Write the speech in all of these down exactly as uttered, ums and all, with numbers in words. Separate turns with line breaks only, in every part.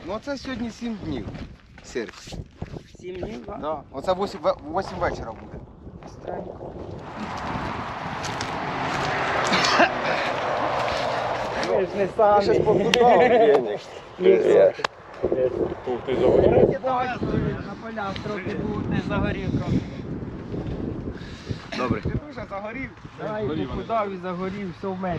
Ну це сьогодні сім днів. Сир.
Сім днів, так?
Да. Оце вісім вечора буде.
Странненько. Ви ж не самі.
Ми зараз побудували.
Ух ти, загорів.
На полях трохи був не загорів трохи.
Добре.
Ти дуже загорів. Давай, похудав і загорів, все в мене.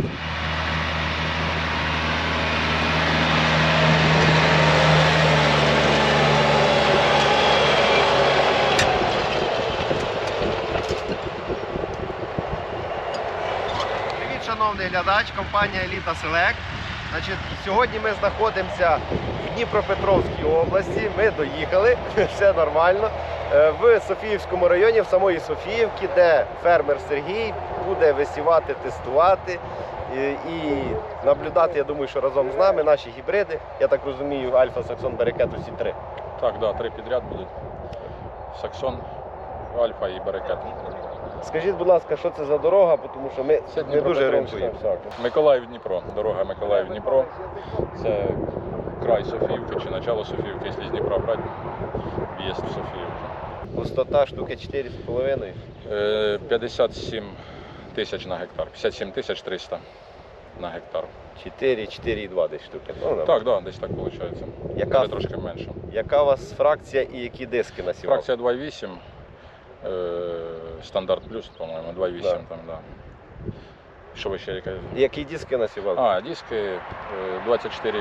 Привіт, шановний глядач, компанія Еліта Селект. Значить, сьогодні ми знаходимося в Дніпропетровській області. Ми доїхали, все нормально. Е, В Софіївському районі, в самої Софіївці, де фермер Сергій буде висівати, тестувати і, і наблюдати, я думаю, що разом з нами наші гібриди. Я так розумію, Альфа, Саксон, Берекет, усі три.
Так, да, три підряд будуть. Саксон, Альфа і Берекет.
Скажіть, будь ласка, що це за дорога, тому що ми
Це
не дуже
Дніпропетровська.
орієнтуємося.
Миколаїв-Дніпро. Дорога Миколаїв-Дніпро. Це край Софіївки чи начало Софіївки, якщо з Дніпра брати, в'їзд в Софіївку.
Густота штуки чотири з половиною.
Е, п'ятдесят сім тисяч на гектар. п'ятдесят сім тисяч триста на гектар.
чотири, чотири і два десь штуки. Ну,
Так, да, десь так виходить.
Яка-
Може трошки менше.
Яка у вас фракція і які диски на сівалку?
Фракція два і вісім. Е, стандарт плюс, по-моєму, два і вісім
Да.
там, да. Що ви ще яке?
Які диски на сівалку?
А, диски е, двадцять чотири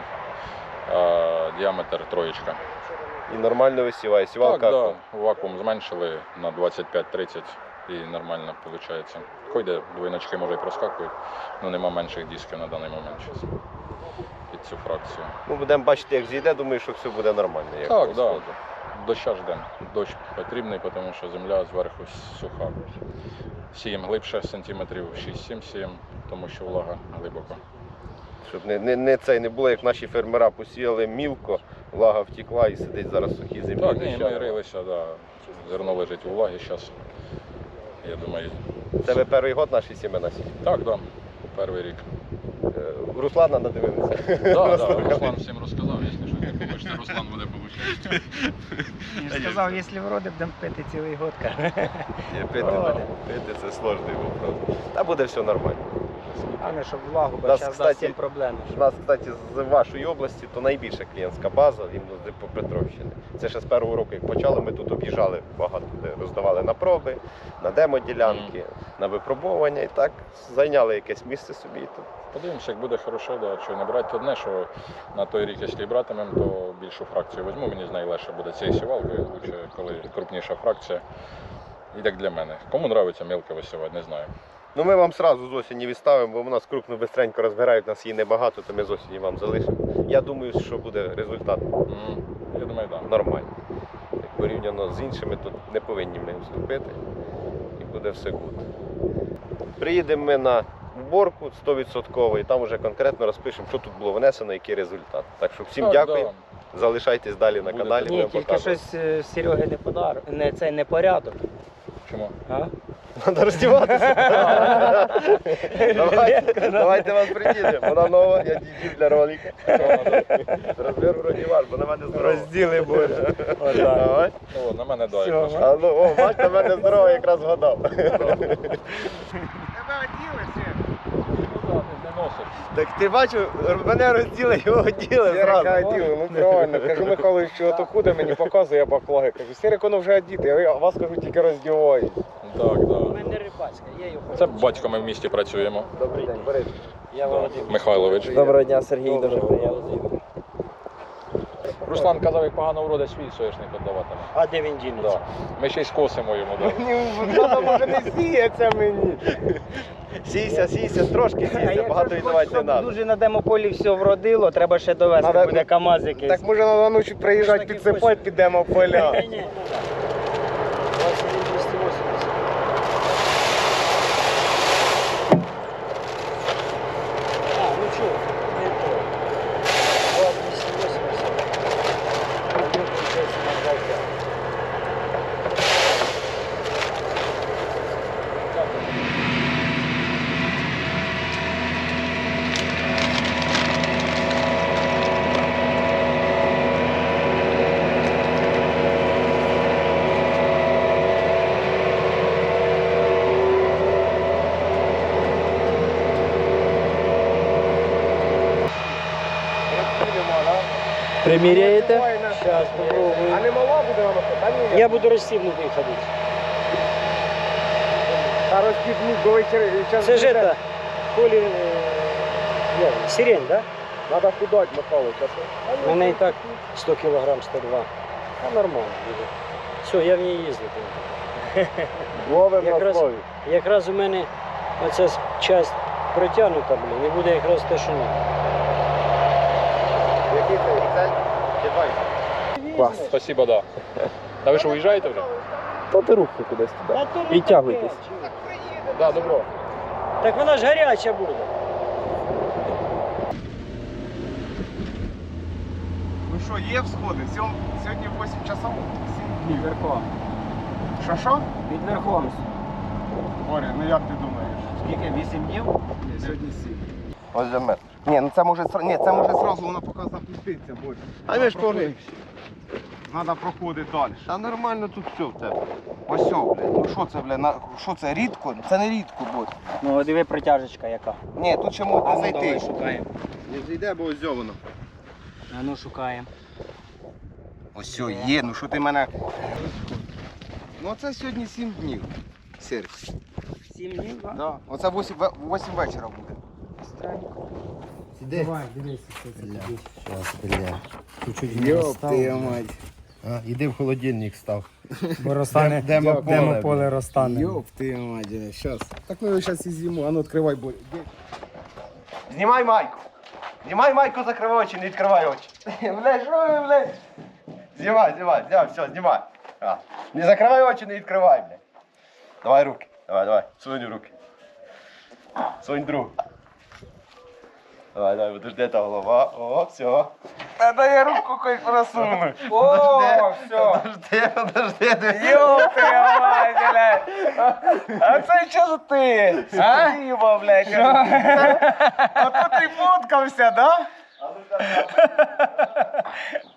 а, діаметр троєчка.
І нормально висіває. Сівалка.
Так, да, вакуум зменшили на двадцять п'ять тридцять і нормально виходить. Ходять, двойночки може і проскакують, але нема менших дисків на даний момент зараз під цю фракцію.
Ну, будемо бачити, як зійде, думаю, що все буде нормально. Як
Так,
по
да.
сходу.
Доща ждемо. Дощ потрібний, тому що земля зверху суха. Сіємо глибше, сантиметрів шість-сім сіємо, тому що влага глибоко.
Щоб не, не, не, це, не було, як наші фермера посіяли мілко, влага втекла і сидить зараз в сухій землі.
Так, ні,
доща.
ми рилися, да. Зерно лежить у влагі зараз. Я думаю,
Це ви перший год наші сімена сіють.
так, да, перший рік.
Е, Руслана надивилися.
Да, да, Руслан всім розказав, якщо що, як побачите, Руслан буде получати.
Він ж сказав, якщо вроде, будемо пити цілий год. каже.
Ні, Пити,
О.
пити це сложний вопрос. Та буде все нормально.
А не щоб влагу, бо
Нас,
зараз
кстати,
дасть їм проблеми.
У нас, кстати, з вашої області то найбільша клієнтська база іменно з Дніпропетровщини. Це ще з першого року, як почали, ми тут об'їжджали багато, де роздавали на проби, на демо-ділянки, на випробування і так зайняли якесь місце собі. Тут.
Подивимося, як буде хорошо, да, що не брати одне, що на той рік, якщо і братимемо, то більшу фракцію візьму, мені з нею легше буде цією сівалкою, лучше, коли крупніша фракція. І так для мене. Кому подобається мілко висівати, не знаю.
Ну ми вам одразу з осені відставимо, бо в нас крупно бистренько розбирають, нас її небагато, то ми з осені вам залишимо. Я думаю, що буде результат
М, Я думаю, так. Да.
нормальний. Як порівняно з іншими, то не повинні ми вступити і буде все гуд. Приїдемо ми на уборку сто відсотків і там вже конкретно розпишемо, що тут було внесено, який результат. Так що всім
Так,
дякую.
да.
Залишайтесь далі на
Буде
каналі.
так.
Ні,
будемо
тільки
показувати.
щось е, Сереги не подар, не цей не порядок.
Чому?
А?
Треба роздіватися. Давайте, давайте вас приїдемо. Вона нова, я діджу для ролика. Розбір вроді ваш, бо на мене здорово.
Розділи буде.
Давай.
О, на мене дай.
Всьо,
якраз.
А ну, о, бач, на мене здорово, якраз вгадав.
Тебе оділися?
Ну, да, не носиш.
Так ти бачив, мене розділи, його оділи зразу.
оділи, ну правильно. Кажу, Михайлович, що ото худе мені показує баклаги. Кажу, Сірик, воно вже одіти, а вас, кажу, тільки роздівають.
Так,
У
так.
мене рибацька, я її хочу.
Це батько ми в місті працюємо.
Добрий день, Борис.
Я Володимир.
Михайлович.
Доброго дня, Сергій, дуже приємно.
Руслан казав, як погано вроде свій соняшник віддаватиме.
А де він дінеться?
Да. Ми ще й скосимо йому. Да.
Вона може не сіється мені.
Сійся, сійся, трошки сійся, багато віддавати не треба.
Дуже на демополі все вродило, треба ще довести,
Надо-
буде КАМАЗ якийсь.
Так може на ночі приїжджати, підсипати, підемо в поля.
Ні-ні. двадцять один двісті вісімдесят. А, ну чого, не то. двадцять двісті вісімдесят. Один получається на два п'ять. Приміряєте?
Давай на-
Зараз попробую.
А не мала буде вона? Та ні.
Я буду розстібнутий ходити.
Та розкидник до вечора. час
Це ж
буде.
это, Колі, е, як, сирень, да?
Надо худать, Михайло, зараз.
У мене і так сто кілограм, сто два. А нормально буде. Все, я в ній їздити.
Ловим на
Якраз,
слові.
якраз у мене оця с- часть протягнута, блін, і буде якраз те, що треба.
Який це Excel? Чи два Excel?
Спасибо, да. А ви що, уїжджаєте вже?
Та ти руки кудись туди. Підтягуйтесь.
Да, добро.
Так вона ж гаряча буде.
Ну що, є всходи? Сьом- Сьогодні вісім часов, сім днів верхова. Що що?
Від верхом.
Боря, ну як ти думаєш?
Скільки? Вісім днів?
Ні, сьогодні сім.
Ось для мене.
Ні, ну це може, сра- ні, це може зразу воно поки запуститься, Боря.
А ми ж повинні.
Треба проходити далі.
Та нормально тут все в тебе.
Ось все, блядь. Ну що це, блядь? на- Що це, рідко? Це не рідко, Боря.
Ну, диви протяжечка яка.
Ні, тут ще можна зайти.
шукаємо.
Не зайде, бо ось воно.
А ну шукаємо.
Ось все, є, ну що ти мене... Ну це сьогодні сім днів. Серж.
Сім днів, так?
Да. Оце вісім вечора буде.
Іди.
Давай, дивися, що це тобі.
Щас, бля.
Чуть-чуть
Йоп, ти мать.
А, іди в холодильник став.
Бо розтане,
Демо поле,
демо поле розтане.
Йоп, ти мать, щас. Так ми його зараз і з'їмо, а ну відкривай, Боря.
Знімай майку. Знімай майку, закривай очі, не відкривай очі. Блядь, що ви, блядь? Знімай, знімай, знімай, все, знімай. А. Не закривай очі, не відкривай, блядь. Давай руки. Давай, давай. Сунь руки. Сунь другу. Давай, давай, подожди, та голова. О, все.
Та я руку хоч просуну.
Подожди,
все.
Подожди, подожди.
Йоп, ти мать, блядь. А це що за ти? А? Діма, блядь. А то ти фоткався, да?